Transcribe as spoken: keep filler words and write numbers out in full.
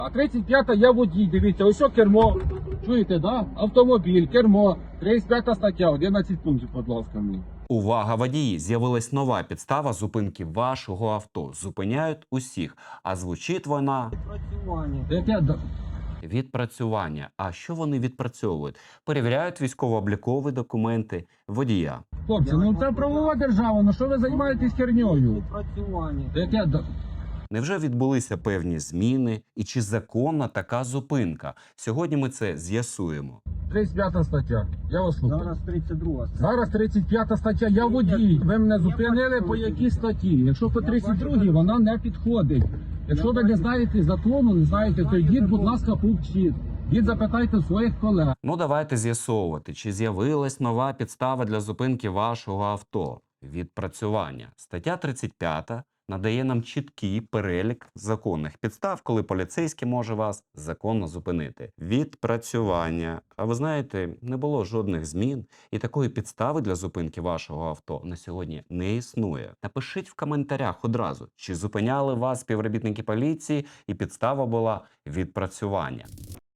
А тридцять п'ята я водій, дивіться, ось о кермо. Чуєте, да? Автомобіль, кермо. тридцять п'ята стаття, одинадцять пунктів, будь ласка, мені. Увага, водії! З'явилась нова підстава зупинки вашого авто. Зупиняють усіх. А звучить вона Працювання. Яке да- відпрацювання. А що вони відпрацьовують? Перевіряють військово-облікові документи водія. Хлопці, ну це правова держава, ну що ви займаєтесь херньою? Працювання. Яке да- Невже відбулися певні зміни? І чи законна така зупинка? Сьогодні ми це з'ясуємо. тридцять п'ята стаття. Я вас слухаю. Зараз тридцять друга. Зараз тридцять п'ята стаття, я водій. Ви мене зупинили по якій статті? Якщо по тридцять другій, вона не підходить. Якщо ви не знаєте закону, не знаєте, то йдіть, будь ласка, повчіть. Йдіть, запитайте своїх колег. Ну давайте з'ясовувати, чи з'явилась нова підстава для зупинки вашого авто. Відпрацювання. Стаття тридцять п'ята надає нам чіткий перелік законних підстав, коли поліцейський може вас законно зупинити. Відпрацювання. А ви знаєте, не було жодних змін, і такої підстави для зупинки вашого авто на сьогодні не існує. Напишіть в коментарях одразу, чи зупиняли вас співробітники поліції, і підстава була відпрацювання.